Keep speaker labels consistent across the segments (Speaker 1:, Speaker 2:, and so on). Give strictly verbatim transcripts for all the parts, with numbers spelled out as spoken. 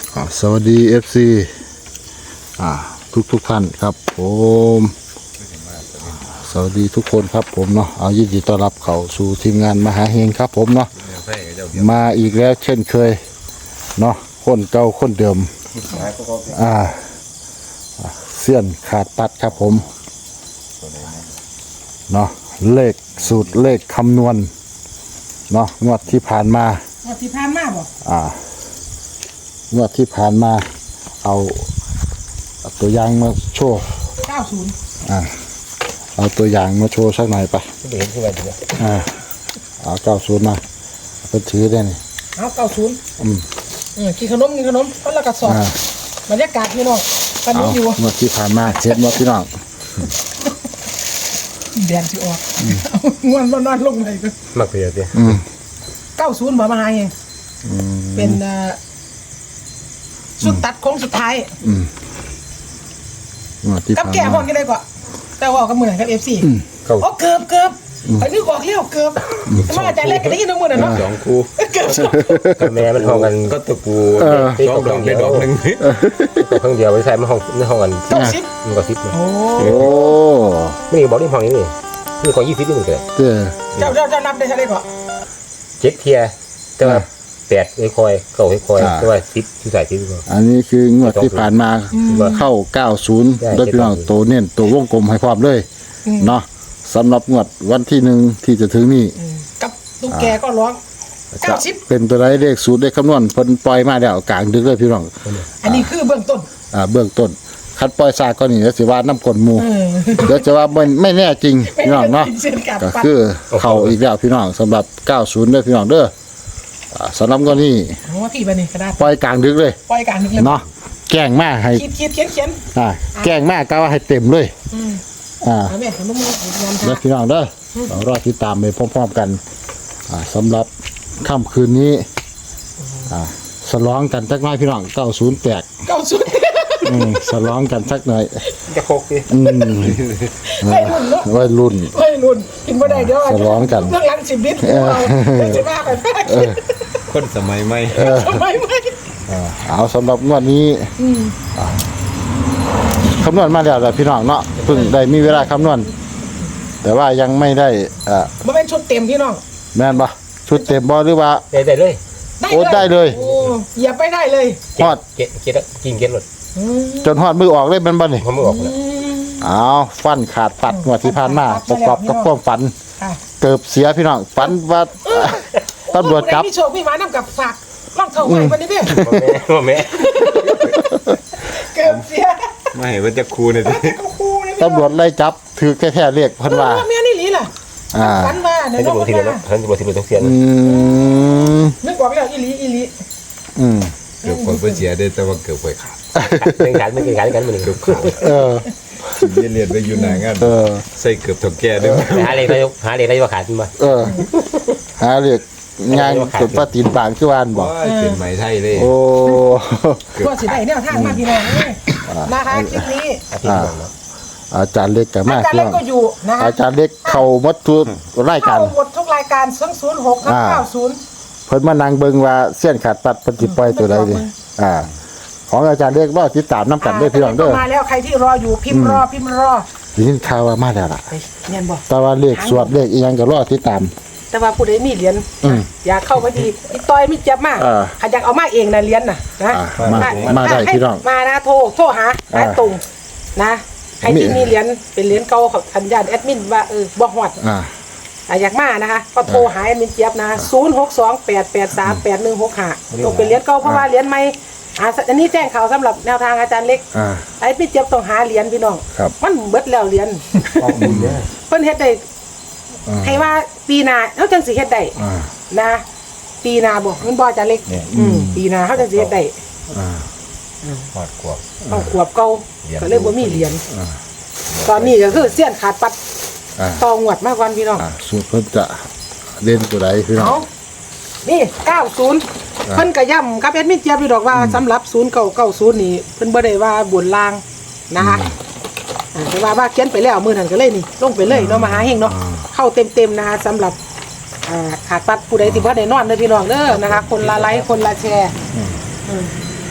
Speaker 1: สวัสดี เอฟ ซี อ่าทุกทุกท่านครับผมสวัสดีทุกคนครับผมเนาะเอายินดีต้อนรับเข้าสู่ทีมงานมหาเฮงครับผมเนาะมาอีกแล้วเช่นเคยเนาะคนเก่าคนเดิมอ่าเสี้ยนขาดปัดครับผมเนาะเลขสูตรเลขคำนวณเนาะงวดที่ผ่านมาง
Speaker 2: วดที่ผ่านมาบ่
Speaker 1: อ่างวดที่ผ่านมาเอาตัวอย่างมาโชว์
Speaker 2: เก้าสิบ
Speaker 1: อ่าเอาตัวอย่างมาโชว์สักหน่อยไป
Speaker 3: ไม่เห็นที่ไหนเลย
Speaker 1: อ่าเอาเก้าสิบมาก็ถือได้นี่
Speaker 2: เอาเก้าสิบ
Speaker 1: อืม
Speaker 2: อืมกินขนมกินขนมคนละกระสอบบรรยากาศพี่น้องตอนนี้อยู่
Speaker 1: งวดที่ผ่านมาเจ็ดงวดพี่น้อง
Speaker 2: แดนสิออกงวนนอนลงไปก็
Speaker 3: มักเพียร
Speaker 1: อืม
Speaker 2: เก้าสิบบ่มาหาเองเป็นสุดตัดโค้งสุดท้าย
Speaker 1: อืมงวดที่
Speaker 2: กับแก่ห้องกันได้กว่าแต่ว่ากับมือไหนกับเอฟซีโอ้เกือบเกือบไอ้นี่ออกเลี้ยวเกือบแต่มาอาจารย์แรกก็ได้ยินน้ำมือน่ะเนาะ
Speaker 3: สองคู่
Speaker 2: เกือบ
Speaker 3: กับแม่มันห้องกัน
Speaker 4: ก็ตะกู
Speaker 3: สองดอกได้ดอกหนึ่งตัวเครื่องเดียวไปใส่มาห้องในห้องกัน
Speaker 2: เก้าสิบ
Speaker 3: มันก็สิบโอ้ไม่บอกที่ห้องนี้นี่นี่ของยี่สิบนี่มันเกิด
Speaker 2: เจ้าเจ้าเจ้านับได้เท่าไหร่ก่อน
Speaker 3: เจ็ดเทียแต่ว่าแปดไอ้คอยเก่าไอ้คอยแต่ว่าสิบที่ใส่สิบ
Speaker 1: อันนี้คืองวดที่ผ่านมาเข้าเก้าสิบโดยพี่น้องตัวเน้นตัววงกลมให้พร้อมเลยเนาะสำหรับงวดวันที่หนึ่งที่จะถึงนี่
Speaker 2: กับตุ๊กแกก็ร้องเก้าสิบ
Speaker 1: เป็นตัวไรเลขสูตรเลขคำนวณเพิ่นปล่อยมาแล้วกลางดึกเลยพี่น้อง
Speaker 2: อันนี้คือเบื้องต้น
Speaker 1: อ่าเบื้องต้นคัดปล่อยซาก็นี่แล้วสิว่าน้ำกลนหมูเดี๋ยวจะว่าไม่ไม่แน่จริงพี่น้องเนาะก็คือเข้าอีกแล้วพี่น้องสำหรับเก้าสิบเด้อพี่น้องเด้อสำหรับก็นี่
Speaker 2: ว่าพี่ไปนี่กระดาษ
Speaker 1: ปล่อยกลางดึกเลย
Speaker 2: ปล่อยกลางดึกเลย
Speaker 1: เนาะแกล้งมากให้
Speaker 2: เขียนเขียนเขียน
Speaker 1: อ่าแกล้งมากก็ว่าให้เต็มเลยอ่าแล้วพี่น้องเด้อเรารอติดตามไปพร้อมๆกันอ่าสำหรับค่ำคืนนี้อ่าสลองกันสักหน่อยพี่น้องเก้าศูนย์แตก
Speaker 2: เก้าศูนย์
Speaker 1: อืมสลองกันสักหน่อย
Speaker 3: จะโคกดิ
Speaker 1: อืมวัยรุ่น
Speaker 2: วัยรุ่นกินบ่ได้เดี๋ยว
Speaker 1: สลองกัน
Speaker 2: เรื่องหลังสิบลิตรเราจะมาไป
Speaker 4: คนสมัยใหม่
Speaker 2: สมัยใหม่
Speaker 1: เอาสำหรับงวดนี้คำนวณมาแล้วพี่น้องเนาะเพิ่งได้มีเวลาคำนวณแต่ว่ายังไม่ได้อ่า
Speaker 2: มันเป็นชุดเต็มพี่น้อง
Speaker 1: แม่นปะชุดเต็มบอหรือว่า
Speaker 3: ได้ได้เลย
Speaker 1: โอ้ได้เลย
Speaker 2: โอ้อย่าไปได้เลย
Speaker 1: ฮอด
Speaker 3: เก็ดเก็ดกินเก็ดหมด
Speaker 1: จนฮอดมือออกเลยเป็นบ่นี่
Speaker 3: มือออกเลย
Speaker 1: เอาฟันขาดปัดงวดที่ผ่านมาประกอบกับความฝันเกิดเสียพี่น้องฝันว่าตำรวจจับ
Speaker 2: พี่โชคพี่มาน้ำกับฝากล่องเท่าไหร่วันนี้เนี่ย
Speaker 3: พ่อแม่
Speaker 2: เกิดเสีย
Speaker 4: ไม่เห็นว่าจะคูเนี่ยดิ
Speaker 1: ตำรวจไล่จับถือแค่แค่เรียกพันว่า
Speaker 2: แม่นี่หลีล่ะฝันว่า
Speaker 3: เนี่ยน้องทีละท่านจะบอกทีละต้องเสีย
Speaker 2: นึกว่าไปแล้วอีหลีอีหลี
Speaker 1: อืม
Speaker 4: เกือบคนเพื่อเสียได้แต่ว่าเกือบไปขาด
Speaker 3: เป็นการไม่เป็นการกันมันเกือบขาด
Speaker 1: เออ
Speaker 4: เรียนไปอยู่ไหนงั้นใส่เกือบถกแก่ด้วย
Speaker 3: หาเรียกได้หาเรียกได้ว่าขาดมา
Speaker 1: เออหาเรียกงานกดปฏิบัติที่วานบอก
Speaker 4: เป็นไม้ไทยเลย
Speaker 1: โอ้
Speaker 2: ก็สิได้เนี่ยท่านมาพี่น้องเลยนะคะคลิปนี้
Speaker 1: อาจารย์เล็กกับแม่
Speaker 2: อาจารย์เล็กก็อยู่นะ
Speaker 1: อาจารย์เล็กเข้ามัดทุกรายการ
Speaker 2: เข้าหมดทุกรายการศูนย์ศูนย์หกเก้าศูนย์
Speaker 1: เพิ่นมานั่งเบิ่งว่าเสี้ยนขาดปัดปฏิปล่อยตัวใดดิอ่าของอาจารย์เล็กรอติดตามน้ำกันด้วยพี่น้องเด้อ
Speaker 2: มาแล้วใครที่รออยู่พิมพ์รอพิมพ์รอ
Speaker 1: ยินข่าวว่ามาแล้วล่ะ
Speaker 2: เงี้ยบ่
Speaker 1: แต่ว่าเลขสวดเลขอีหยังก็รอติดตาม
Speaker 2: แต่ว่าผู้ใดมีเหรียญอยากเข้ามาดีอีต้อยมีเจ็บมากใครอยากเอามาเองนะเหรียญน่ะนะ
Speaker 1: มาได้พี่น้อง
Speaker 2: มานะโทรโทรหาหาตรงนะใครที่มีเหรียญเป็นเหรียญเก่าของทันญาณแอดมินว่าเออบ่ฮอดอยากมานะคะก็โทรหาแอดมินเจี๊ยบนะศูนย์หกสองแปดแปดสามแปดหนึ่งหกห้าต้องเป็นเหรียญเก่าเพราะว่าเหรียญใหม่อันนี้แจ้งข่าวสำหรับแนวทางอาจารย์เล็กไอ้พี่เจี๊ยบต้องหาเหรียญพี่น้องมันเบิดแล้วเหรียญเพิ่นเฮ็ดได้ให้ว่าปีหน้าเขาจังสิเฮ็ดได้นะปีหน้าบ่มันบ่อาจารย์เล็กอืมปีหน้าเขาจังสิเฮ็ดได้
Speaker 3: หอดขวบ
Speaker 2: เอาขวบเก่าก็เลยบ่มีเหรียญตอนนี้ก็คือเสี้ยนขาดปัดต่องวดมากกว่าพี่น้อง
Speaker 1: สูตรเพิ่นจะเล่นตัวใดพี่น้อง
Speaker 2: นี่เก้าสิบเพิ่นก็ย้ำกับแอดมินเจี๊ยบอยู่ดอกว่าสำหรับศูนย์เก้าเก้าศูนย์นี่เพิ่นบ่ได้ว่าบนล่างนะคะแต่ว่าว่าเขียนไปแล้วมื้อนั้นก็เลยนี่ลงไปเลยเนาะมหาเฮงเนาะเข้าเต็มๆนะคะสำหรับขาดปัดผู้ใดที่บ่ได้นอนเด้อพี่น้องเด้อนะคะคนละไลค์คนละแชร์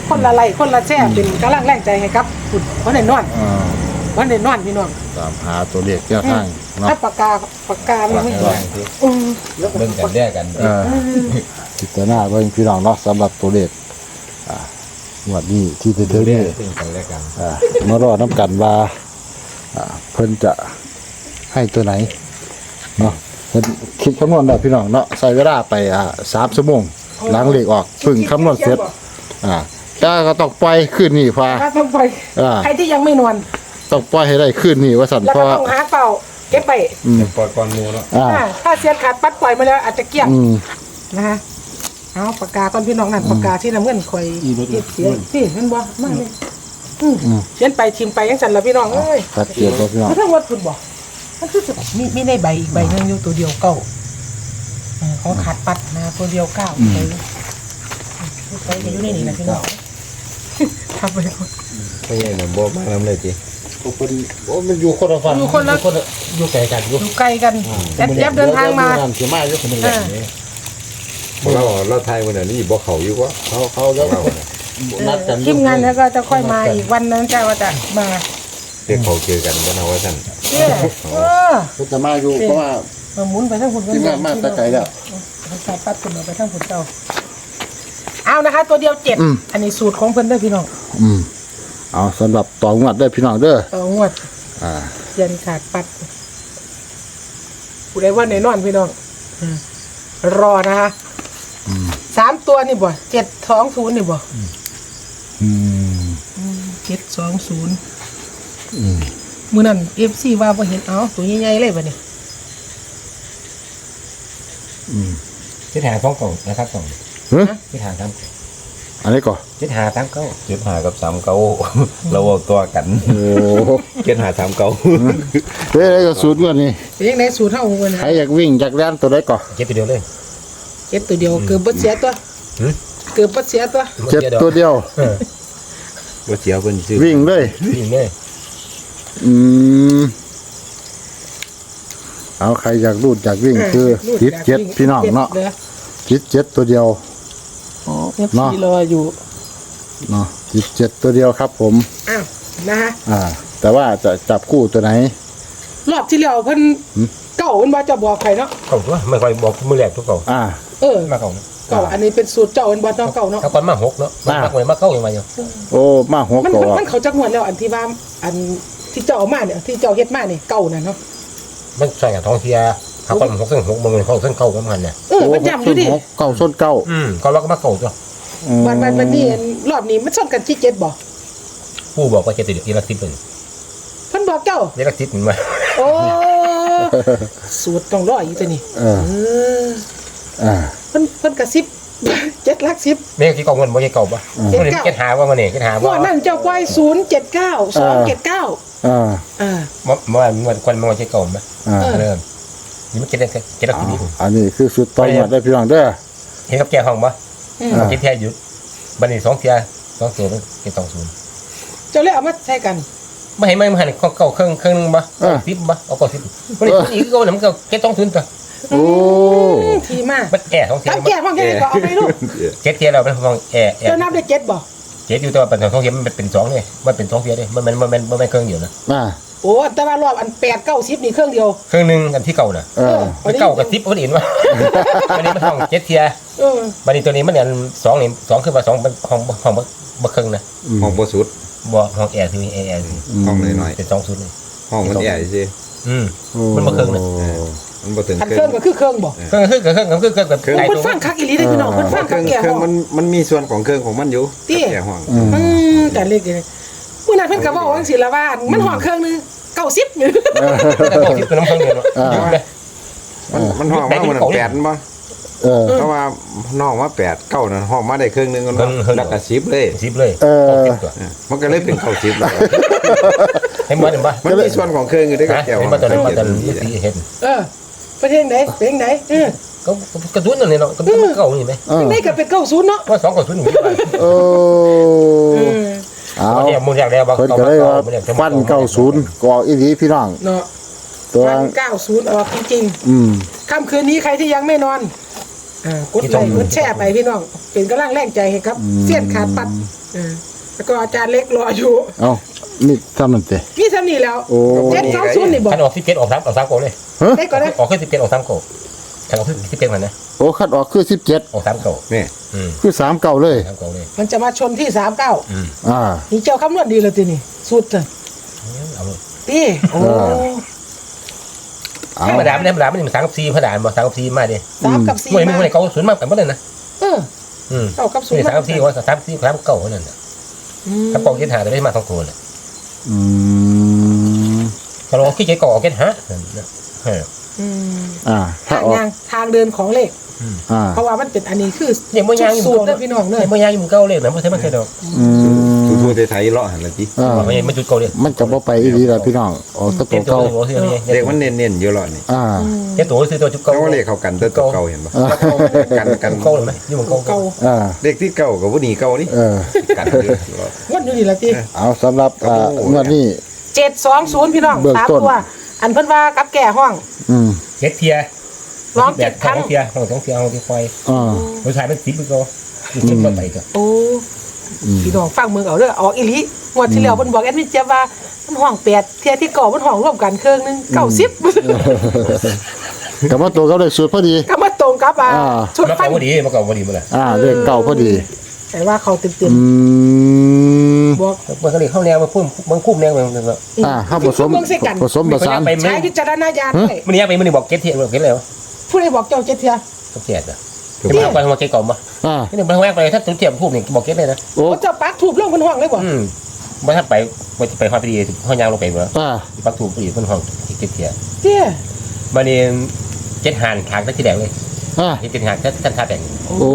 Speaker 2: คนละไลค์คนละแชร์เป็นกำลังแรงใจให้ครับคุณวันไหนนอน
Speaker 1: อ่า
Speaker 2: วันไหนนอนพี่น้อง
Speaker 1: ตามหาตัวเลขแก้ทางเนาะ
Speaker 2: ถ้าปากกาปากกามันไม่เห็นอืม
Speaker 3: เบิ่งกันแยกกัน
Speaker 1: เออพิจารณาเบิ่งพี่น้องเนาะสำหรับตัวเลขอ่างวดนี้ที่จะถึงนี้
Speaker 3: เบิ่งกันแยกกัน
Speaker 1: อ่ามารอน้ำกันว่าอ่าเพิ่นจะให้ตัวไหนเนาะเพิ่นคิดคำนวณแล้วพี่น้องเนาะใช้เวลาไปอ่าสามชั่วโมงหล้างเลขออกเพิ่งคำนวณเสร็จอ่าแต่ก็ต้องปล่อยขึ้นนี่พา
Speaker 2: ถ้าต้องไป
Speaker 1: อ่า
Speaker 2: ใครที่ยังไม่นอน
Speaker 1: ต้องปล่อยให้ได้ขึ้นนี่ว่าสัน
Speaker 2: แล้ว
Speaker 1: เพ
Speaker 2: ก็
Speaker 1: ราะ
Speaker 2: ต้องหาเป่าเก็บไป
Speaker 4: ปล่อยก่อนหมูเนาะ
Speaker 1: อ่า
Speaker 2: อ่าถ้าเสียนขาดปัดปล่อยมาแล้วอาจจะเกลี้ยง
Speaker 1: อืม
Speaker 2: นะคะเอาปากกาก่อนพี่น้องนั่นปากกาที่น้ำเงินคอยเก็บเสียนี่มันบ่มากเลยอืมเขียนไปทิมไปยังสั่นละพี่น้องเอ้ย
Speaker 1: ชัดเจนแล้วพี่น้อง
Speaker 2: เพราะทั้งวัดคุณบอกมันคือจะมีมีในใบอีกใบหนึงอยู่ตัวเดียวเก้าเออของขาดปัดนะตัวเดียวเก้าไปไปอยู่ในนี่นะพี่น้องทำไปก่อน
Speaker 4: ไม่ใช่หนุ่มบ่มาน้ำเลยจี
Speaker 1: เป็นโอ้มันอยู่คนละฝั่ง
Speaker 2: อยู่คนละ
Speaker 3: อยู่ไกลกันอยู่
Speaker 2: อยู่ไกลกันแอบแอบเดินทางมา
Speaker 1: เสียมาอยู่คนหนึ่ง
Speaker 2: อ่า
Speaker 4: เพราะเราเราไทยวันนี้บ่เขาอยู่วะ
Speaker 1: เขาเขาแล้ว
Speaker 4: เรา
Speaker 1: นัดกัน
Speaker 2: ทีมงานแล้วก็จะค่อยมาอีกวันนั้นจะว่าจะมา
Speaker 4: เรียกเขาเจอกันก็นะว่าท่าน
Speaker 2: เนี่ยเออ
Speaker 1: เขาจะมาอยู่เพราะว่า
Speaker 2: มาหมุนไปทั้งหุ่น
Speaker 1: ทีมงานมาแต่ไกลแล้ว
Speaker 2: สายปัดขึ้นมาไปทั้งหุ่นเจ้าเอานะคะ ตัวเดียวเจ็ดอันนี้สูตรของเพิ่นเด้อพี่น้อง
Speaker 1: อืมเอาสำหรับต่องวดได้อพี่น้องเด้อ
Speaker 2: ต่องวด
Speaker 1: อ่า
Speaker 2: เยันขาดปัดผู้ใดว่าไหนนอนพี่น้องอืมรอนะคะสามตัวนี่บ่เจ็ดสองศูนย์นี่บ่
Speaker 1: อืม
Speaker 2: เจ็ดสองศูนย์
Speaker 1: อืม
Speaker 2: มือนั้นเอฟซีว่าพอเห็นเอาตัวใหญ่ๆเลยบ่เนี่ย
Speaker 1: อืม
Speaker 3: ทิศทางท้องเก่านะครับสอง
Speaker 1: เฮ้ย
Speaker 3: ทิศทางตาม
Speaker 1: อันนี้ก่อน
Speaker 3: ทิศทางตามเก่า
Speaker 4: เจ็ดหากับสามเก้าเราเอาตัวกัน
Speaker 1: โอ้
Speaker 4: เจ็ดหาสามเก้า
Speaker 1: เฮ้ยอะไรก็สูตรงวดนี้
Speaker 2: เป็นยังไงสูตรเท่าเงิน
Speaker 1: ใครอยากวิ่งอยากเล่นตัวได้ก่อน
Speaker 3: เจ็บตัวเดียวเลย
Speaker 2: เจ็ดตัวเดียวเกือบบ่เสียตัว
Speaker 3: หืม
Speaker 2: เกือบบ่เสียตัว
Speaker 1: เจ็ดตัวเดียว
Speaker 3: เออ
Speaker 4: ว่าเสียวเพิ่นซื้อ
Speaker 1: วิ่งเลย
Speaker 3: วิ่งเลย
Speaker 1: อืมเอาใครอยากรูดอยากวิ่งคือจิตเจ็ดพี่น้องเนาะจิตเจ็ดตัวเดียว
Speaker 2: เอฟซีรออยู่
Speaker 1: เนาะจิตเจ็ดตัวเดียวครับผม
Speaker 2: อ้าวนะฮะ
Speaker 1: อ่า แต่ว่าจะจับคู่ตัวไหน
Speaker 2: รอบที่แล้วเพิ่น
Speaker 1: หืม
Speaker 2: เก่าเพิ่นบ่จะบอกใครเนาะ
Speaker 3: เก่าตัวไม่ค่อยบอกมือแรกทุกเก่า
Speaker 1: อ่า
Speaker 2: เออ
Speaker 3: มาเก่า
Speaker 2: เก่าอันนี้เป็นสูตรเจ้าเพิ่นบ่เนาะเก่าเนาะ
Speaker 3: ถ้าก่อนมาหกเนาะมาก่อนมาเก้าอย่างไรอยู่
Speaker 1: โอ้มาหัว
Speaker 2: มัน
Speaker 1: ก่อ
Speaker 2: มันมันเขาจักงวดแล้วอันที่ว่าอันที่เจ้าเอามาเนี่ยที่เจ้าเฮ็ดมาเนี่ยเก่าน่ะเนาะ
Speaker 3: มันใส่กับท้องเสียถ้าก่อนหกเส้นหกมันเป็นของเส้นเก่าประมาณเนี่ย
Speaker 2: เออมันจำอยู่ดิ
Speaker 1: หกเก้าส้นเก้า
Speaker 3: อืมก็เราก็มาเก่าตัว
Speaker 1: อืม
Speaker 2: วันวันวันนี้อันรอบนี้มันซ่อนกันที่เจ็ดบ่
Speaker 3: ผู้บอกว่าเจ็ดตัวเดียวอีลักซิปเป็น
Speaker 2: เพิ่นบอกเจ้า
Speaker 3: อีลักซิปมันมา
Speaker 2: โอ้สูตรต้องรออีกตัวนี้
Speaker 1: เออ
Speaker 2: เออ
Speaker 1: อ่า
Speaker 2: เพิ่นเพิ่นกระซิบ เจ็ดหลักสิบ
Speaker 3: ไม่กี่เก่าเงินไม่ใช่เก่าปะมันเห็นเก็ตหาว่ามันเนี่ยเก็ตหา
Speaker 2: งว
Speaker 3: ว่า
Speaker 2: ดนั้นเจ้าปล่อยศูนย์เจ็ดเก้าสองเจ็ดเก้า
Speaker 1: อ่า
Speaker 2: อ่า
Speaker 3: เมื่อเมื่อเมื่อคนมันใช่เก่าไหม
Speaker 1: อ่า
Speaker 3: เริ่มนี่มันเก็ตได้เก็ตได้กี่ปี
Speaker 1: อันนี้คือสุดต่อยอดได้พี่น้องเด้อ
Speaker 3: เห็นกับแกห้องปะ
Speaker 2: อืม
Speaker 1: อ่า
Speaker 3: เก็ตแท้หยุดบันนี้สองเทียสองตัวเก็ตสองศูนย์
Speaker 2: เจ้าเลยเอามาใช้กัน
Speaker 3: ไม่ให้ไม่มาหันเก่าเครื่องเครื่องนึงปะสิบปะเอาเก่าสิบวันนี้อีกเก่าเนี่ยมันก็เก็ตสองศูนย์ตัว
Speaker 1: โอ้
Speaker 2: อืมทีมาก
Speaker 3: มันแอร์สองเทีย
Speaker 2: ทำแก่บ้างแค่ก็เอาไปลูก
Speaker 3: เจ็ดเทียเราเป็นห้องแอร์แอ
Speaker 2: เจ้า
Speaker 3: ร์
Speaker 2: นับได้เจ็ดบ่
Speaker 3: เจ็ดอยู่ตัวเป็นสองเทียมันเป็นสองเลยมันเป็นสองเทียเลยมันมันมันมันมันเครื่องเดียวนะ
Speaker 1: อ่า
Speaker 2: โอ้แต่ว่ารอบอันแปดเก้าสิบนี่เครื่องเดียว
Speaker 3: เครื่องนึงอันที่เก่าน่ะ
Speaker 1: เออ
Speaker 3: มันเก่ากับสิบคนอื่นวะวันนี้มันห้องเจ็ดเทีย
Speaker 2: เออ
Speaker 3: บันนี้ตัวนี้มันเนี่ยสองนี่สองคือว่าสองเป็นห้องห้องบักครึ่งนะ
Speaker 4: ห้องบ่สุด
Speaker 3: บ่ห้องแอร์ที่มีแอร์แอร์
Speaker 4: ห้องน้อย
Speaker 3: เป็นสองศูนย์เลย
Speaker 4: ๆห้องมันใหญ่สิ
Speaker 3: อืม
Speaker 1: โอ้
Speaker 3: มันบ่เครื่องนะ
Speaker 4: มันบ่ถึง
Speaker 2: อัน
Speaker 4: เค
Speaker 2: เค
Speaker 4: รื่
Speaker 2: รื่
Speaker 4: อ
Speaker 2: อง งก็คือเครื่องบ่
Speaker 3: เครื่องคือเครื่องคือเครื่องกับ
Speaker 4: เครื่อง
Speaker 3: ไก่
Speaker 2: เพิ่น
Speaker 3: ตัว
Speaker 2: ฟังคักอีหลีได้อพี่น้องเพิ่นฟัง
Speaker 4: เค
Speaker 2: คั
Speaker 4: รื่
Speaker 2: ก
Speaker 4: อง
Speaker 2: แก่
Speaker 4: เครื่
Speaker 2: ห้
Speaker 4: อง
Speaker 2: อง
Speaker 4: มันมันมีส่วนของเครื่องของมันอยู่
Speaker 2: ติ
Speaker 4: แก่ห้อง
Speaker 1: อืม
Speaker 2: อืมการเล่นกันมื้อนั้นเพิ่นก็เว้าจังซี่ละว่ามันห้องเครื่องนึงเก้าสิบอยู่
Speaker 3: แต่บอกที่ตัวน้ำเครื่องเดียวยุบเลย
Speaker 4: มันมันห้องมามันแปดบ่
Speaker 1: เออ
Speaker 4: เพราะว่าน้องว่าแปดเก้านั่นห้องมาได้เครื่องนึงแล้วแล้วก็สิบเลย
Speaker 3: สิบเลย
Speaker 1: เออ
Speaker 3: ตัว
Speaker 4: มันก็เลยเป็นเข้าสิบแล้ว
Speaker 3: ให้มันเห็นปะ
Speaker 4: มันมีส่วนของเครื่องอยู่ด้วยกับ
Speaker 3: ฮะ
Speaker 4: แก้ว
Speaker 3: เห็นปะตัวนั้นปะตัวนั้นสีเห็น
Speaker 2: เออประเทศไหนเพลงไหนเออ
Speaker 3: ก็กระตุ้นตัวนี้เนาะกระตุ้นเก่านี่ไหม
Speaker 1: เออ
Speaker 2: เพลงไหนก็เป็นเก้าศูนย์เนาะ
Speaker 3: ว่าสองกระตุ้นอยู่ไป
Speaker 1: โอ้
Speaker 2: เออ
Speaker 1: เอา
Speaker 3: เนี่ยมูลแรกแล้วว่า
Speaker 1: เพิ่นก็เลยว่าฟันเก้าศูนย์กอกอีหลีพี่น้อง
Speaker 2: เนาะ
Speaker 1: ตัว
Speaker 2: วันเก้าศูนย์ออกจริง
Speaker 1: อืม
Speaker 2: ๆค่ำคืนนี้ใครที่ยังไม่นอนอ่ากดไลค์กดแชร์ไปพี่น้องเป็นกำลังแรงใจให้ครับเสี้ยนขาดปัดอ่าแล้วก็อาจารย์เล็กรออยู่
Speaker 1: เอ้ามีทำนั่นเตะ
Speaker 2: นี่ทำนี่แล้ว
Speaker 1: โอ้
Speaker 2: เจ็ดสองศูนย์นี่บอก
Speaker 3: ขันออกสิบเจ็ดออกสามออกสามโกเลย
Speaker 2: ได้ก่อนนะ
Speaker 3: ออกขึ้นสิบเจ็ดออกสามโกขันออกขึ้นสิบเจ็ดมันนะ
Speaker 1: โอ้คัดออกคือสิบเจ็ด
Speaker 3: ออกสามโก
Speaker 4: นี่
Speaker 3: อืม
Speaker 1: คือสามเก่าเลย
Speaker 3: สามโกเลย
Speaker 2: มันจะมาชนที่สามเก้า
Speaker 3: อืม
Speaker 1: อ่า
Speaker 2: นี่เจ้าคำนวณดีเลยทีนี่สุดเลย
Speaker 3: เอาเลย
Speaker 2: พี่โอ้
Speaker 1: เอา
Speaker 3: ธรรมดาไม่ได้ธรรมดาไม่ได้สามกับสี่ธรรมดาบอกสามกับสี่มาดิ
Speaker 2: สามกับสี่
Speaker 3: มวยมึง
Speaker 2: มา
Speaker 3: คนไหนเขาศูนย์มากกันไม่ได้นะ
Speaker 2: เออ
Speaker 3: อืม
Speaker 2: เก้ากับศูน
Speaker 3: นี่
Speaker 2: ย์
Speaker 3: สามกับสี่ว่าสามสี่สามเก้านั่นน่ะ
Speaker 2: อืม
Speaker 3: ถ้าปองเจ็ดหาจะได้มาสองตัวเลย
Speaker 1: อืม
Speaker 3: พอเราขี้เกียจก็ออกเจ็ดหาเออ
Speaker 2: อืม
Speaker 1: อ่าถ้า
Speaker 2: ทาง
Speaker 1: ออก
Speaker 2: ยางทางเดินของเลข
Speaker 1: อ่า
Speaker 2: เพราะว่ามันเป็นอันนี้คือ
Speaker 3: เนี่ยมวยยางอยู่
Speaker 2: สูตรเด้อพี่น้องเด้อ
Speaker 3: เนี่ยมวยยางอยู่มึงเก้าเลยนะไม่ใช่ไม่ใช่ดอก
Speaker 1: อืม
Speaker 4: ทั่วๆไทยๆเลาะหันละจิ
Speaker 1: อ่า
Speaker 3: ไม่ใช่ไม่จุดเก้าเลย
Speaker 1: มันจะบ่ไปอีหลีล่ะพี่น้องออกแตะ
Speaker 3: เจ็
Speaker 1: ตั
Speaker 3: ด
Speaker 1: ว
Speaker 3: ตัว
Speaker 1: เก่า
Speaker 3: เสีย
Speaker 4: เด็กมันเน้นๆอยู่เลาะนี่
Speaker 1: อ่า
Speaker 3: เจ็ดตัวซื้อตัวจุด
Speaker 4: แต่
Speaker 3: เก้า
Speaker 4: ว่าเลขเขากันแต่ตัวเก่าเห็นปะ กันกัน
Speaker 3: เก้าเลยไหมอยู่มึงเก้า
Speaker 2: เก่า
Speaker 1: อ่า
Speaker 4: เลขที่เก่ากับว่านี่เก่านี่
Speaker 1: เออ
Speaker 4: กันอยู่เลาะ
Speaker 2: วันอยู่นี่ละที
Speaker 1: เอาสำหรับอ่า
Speaker 4: โอ้โห
Speaker 1: งวดนี้
Speaker 2: เจ็ดสองศูนย์พี่น้อง
Speaker 1: เบื้อง
Speaker 2: สาม
Speaker 1: ต้น
Speaker 2: ตัวอันเพิ่นว่ากับแก่ห้อง
Speaker 1: อืม
Speaker 3: เจ็ดเทีย
Speaker 2: ร้องเจ็ดครั้ง
Speaker 3: เทียห้องสองเทียห้องที่คอย
Speaker 1: อ่า
Speaker 3: ผู้ชายเป็นสิบไปก็สิบก็ไปก็
Speaker 2: โอ้พี่น้องฟังมือเอาเด้อออกอีหลีงวดที่แล้วเพิ่นบอกแอดมินเจี๊ยบว่ามันห้องแปดเที่ยที่เก่ามันห้องร่วมกันเครื่องหนึงเก้าสิบ
Speaker 1: กับว่าตัวเขาได้สูตรพอดี
Speaker 2: ก็มาตรงกับอ่า
Speaker 1: อ่า
Speaker 2: ชุด
Speaker 3: มา
Speaker 2: ฟั
Speaker 3: เก่าน พอดีมาเก่าพอดีมาเลย
Speaker 1: อ่าเลขเก่าพอดี
Speaker 2: แต่ว่าเขาเต็ม
Speaker 1: อืม
Speaker 2: ๆบอก
Speaker 3: มันก็เลยเข้าแนวมาพุ่มมันคุ้มแนวมันก็
Speaker 1: อ่าห้าผสม
Speaker 2: เบิ่งใส่กัน
Speaker 1: ผสมผสาน
Speaker 2: ใช้วิจารณญาณด้วย
Speaker 3: มันนี้ไปมันนี่บอกเจ็ดเทียบอกเจ็ดแล้ว
Speaker 2: ผู้ใดบอกเจ้าเจ็ดเที่ย
Speaker 3: ต้องเจ็ดอ่ะจะมาไปมาเจ็ดก่อนมา
Speaker 1: อ่า
Speaker 3: นี่มันแวกไปถ้าตัวเทียบพุ่มนี่บอกเจ็ดเลยนะ
Speaker 1: โอ้
Speaker 2: ว่าเจ้าปักถูกเรื่องเพิ่นห้องเลยบ่
Speaker 3: อืมว่าถ้าไปไปห้องพอดีห้องยางลงไปเหรอ
Speaker 1: อ่า
Speaker 3: ปักถูกพอดีเพิ่นห้องเจ็ดเทีย
Speaker 2: เจ้
Speaker 3: มันนี่เจ็ดหานขางตั้งที่แดงเลย
Speaker 1: อ่า
Speaker 3: เจ็ดหานท่านท่าแดง
Speaker 1: โอ้
Speaker 2: โอ้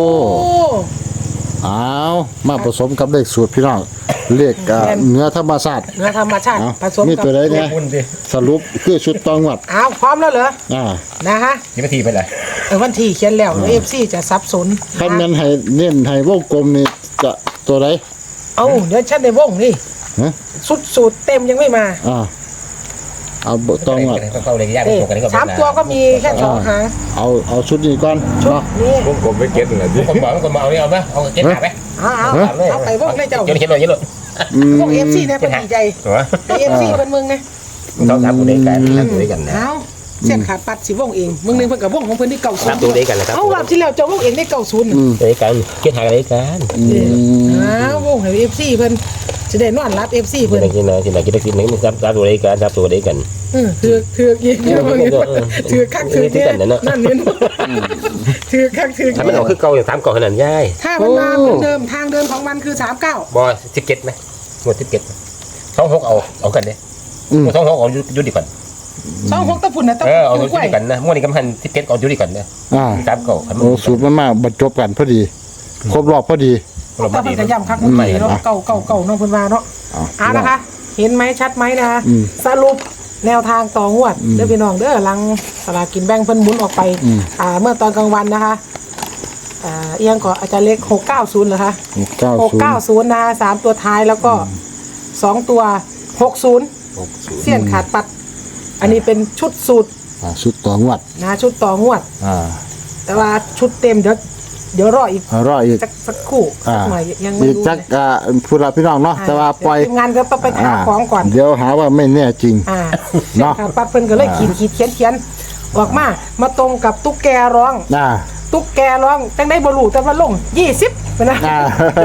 Speaker 1: เอามาผสมกับเลขสูตรพี่น้องเลขอ่าเนื้อธรรมชาติ
Speaker 2: เนื้อธรรมชาติ
Speaker 1: เอา
Speaker 2: ผสม
Speaker 1: มี
Speaker 2: กับ
Speaker 1: ตัวใดเนี่ย
Speaker 3: พุ่นดิ
Speaker 1: สรุปคือชุดตองวัด
Speaker 2: อ้าวพร้อมแล้วเหรอ
Speaker 1: อ่า
Speaker 2: นะฮะ
Speaker 3: ยี่นาทีไปเลย
Speaker 2: เออวันที่เขียนแล้วเอฟซีจะสับสน
Speaker 1: คันแม่นให้เน้นให้วงกลมนี่จะตัวใด
Speaker 2: เอาเดี๋ยวฉันในวงนี่
Speaker 1: ฮะ
Speaker 2: สุดสูตรเต็มยังไม่มา
Speaker 1: อ่าเอาบ่ตองวัด
Speaker 3: เข้าเลยยาก
Speaker 2: เอ๊ะ
Speaker 3: ตรงกันนี่ก็
Speaker 2: สามตัวก็มีแค่สองหาง
Speaker 1: เอาเอาชุดนี้ก่อน
Speaker 2: ชุด
Speaker 1: เนาะ
Speaker 2: นี้
Speaker 4: วงกลมไปเก็ตนั่นแหละจิ
Speaker 3: คนบอกคนมาเอาเนี่ยเอาไหมเอาเจ็ดหาไหม
Speaker 2: เอาเอาเอาไปวงเลยเจ้า
Speaker 3: เจ็ดเขียนเลยเยอะเลย
Speaker 1: อืม
Speaker 2: วงเอฟซีเนี่ยเป็นดีใจ
Speaker 3: หัว
Speaker 2: เอฟซีเป็นมึงนะ
Speaker 3: ต้องทำตัวเดียวกันทำตัวเดียวกันนะ
Speaker 2: เอาเส้นขาดปัดสิวงเองมึงนึงเพิ่นกับวงของเพิ่นที่เก่าศูน
Speaker 3: ทำ
Speaker 2: ย์
Speaker 3: ตัวเดียวกันนะครับ
Speaker 2: เอารอบที่แล้วเจ้าวงเองได้เก่าศูนย์
Speaker 1: อืม
Speaker 3: ตัวเดียวกันเจ็ดหากันเดียวกัน
Speaker 1: อืม
Speaker 2: อ้าววงให้เอฟซีเพิ่นจะได้นอนรับเอฟซี
Speaker 3: ที่
Speaker 2: เพิ่น
Speaker 3: ไหนที่ไหนที่ไหนที่ไหนที่ไหนทำตัวเดียวกันทำตัวเดียวกัน
Speaker 2: เออถือถือยิงเนี่ยมึงถือคักถือเนี่ยนั่นเนี่ยถือคักถือ
Speaker 3: ถ้ามันออกคือเก่าอย่างสามเก่าขนาดย่าย
Speaker 2: ถ้ามันมาเหมือนเดิมทางเดินของมันคือสามเก้า
Speaker 3: บอสิบเจ็ดไหมหมดสิบเจ็ดสองหกเอาเอากันเด้
Speaker 1: อืม
Speaker 3: สองหกเอายุติก่อน
Speaker 2: สองหกตะพุ่นนะตะ
Speaker 3: เอ
Speaker 2: พุ่
Speaker 3: อน เอา
Speaker 2: ถู
Speaker 3: ยุ
Speaker 2: กไว้
Speaker 3: ติกันนะม้วนนี้กำพันสิบเจ็ดเอายุติก่อนเนี่ย
Speaker 1: อ่า
Speaker 3: สามเก่า
Speaker 1: โอ้สูตรมันมาบรรจบกันพอดี ครบรอบพอดี
Speaker 3: เรา
Speaker 2: ตะ
Speaker 3: ไม่
Speaker 2: พุ่
Speaker 3: ดี
Speaker 2: นกระยำคักมันใหม่เนาะเก่าเก่าเก่าน้องเพิ่นว่าเนาะ
Speaker 1: เอา
Speaker 2: อ่านะคะ เห็นไหมชัดไหมนะคะ
Speaker 1: อืม
Speaker 2: สรุปแนวทางต่องวดเด้อพี่น้องเด้อหลังสลากกินแบ่งเพิ่นหมุนออกไป
Speaker 1: อืม
Speaker 2: อ่าเมื่อตอนกลางวันนะคะอ่าเอียงก่อนอาจารย์เล็กหกเก้าศูนย์เหรอคะ
Speaker 1: เก้า
Speaker 2: หก
Speaker 1: ศูน
Speaker 2: เก้า
Speaker 1: ย์
Speaker 2: ศูนย์นะคะสามตัวท้ายแล้วก็สองตัวหกศูนย์เสี้ยนขาดปัด อันนี้เป็นชุดสูตร
Speaker 1: อ่าชุดตองวัด
Speaker 2: นะชุดต่องวด
Speaker 1: อ่า
Speaker 2: แต่ว่าชุดเต็มเดี๋ยวเดี๋ยวรออีก
Speaker 1: เอารออีก
Speaker 2: สักสักครู่
Speaker 1: อ่า
Speaker 2: สักหน่อยยังไม่
Speaker 1: อีก
Speaker 2: รู้
Speaker 1: จัก
Speaker 2: เลย
Speaker 1: อ่าผู้รับพี่น้องเนาะแต่ว่าปล่อย
Speaker 2: เดี๋วทีมงานก็ต้องไปหา
Speaker 1: อ่า
Speaker 2: ของก่อน
Speaker 1: เดี๋ยวหาว่าไม่แน่จริง
Speaker 2: อ่า
Speaker 1: เนาะ
Speaker 2: เสี้ยนขาดปัดเพิ่นก็เลยขีดขีดเขียนเขียนออกมามาตรงกับตุ๊กแกร้อง
Speaker 1: อ่า
Speaker 2: ตุ๊กแกร้องจังได้บรูแต่ว่าลงยี่สิบไปนะ
Speaker 1: อ่าร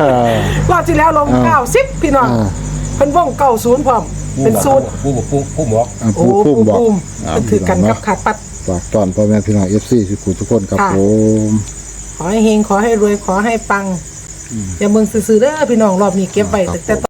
Speaker 2: อบที่แล้วลง
Speaker 1: อ่า
Speaker 2: เก้าสิบพี่น้อง
Speaker 1: อ่า
Speaker 2: เพิ่นว่องเก้าศูนย์พร้อมเป็นศูนย์
Speaker 3: ผู้บอกผู้ผู้บอก
Speaker 1: อ่า
Speaker 2: โอ้
Speaker 1: ผู้
Speaker 2: ปู
Speaker 1: ผู้บอก
Speaker 2: ปูม
Speaker 1: อ่า
Speaker 2: เป็นถือกัน
Speaker 1: พี่
Speaker 2: กั
Speaker 1: น้
Speaker 2: บ
Speaker 1: องเนาะ
Speaker 2: ขาดปัด
Speaker 1: ฝากตอนพ่อแม่พี่น้อง เอฟ ซี ทุกคนทุกคนครับ
Speaker 2: ค่ะ
Speaker 1: ผม
Speaker 2: ขอให้เฮงขอให้รวยขอให้ปัง อย่าเมืองซื่อๆเด้อพี่น้องรอบนี้เก็บไว้แต่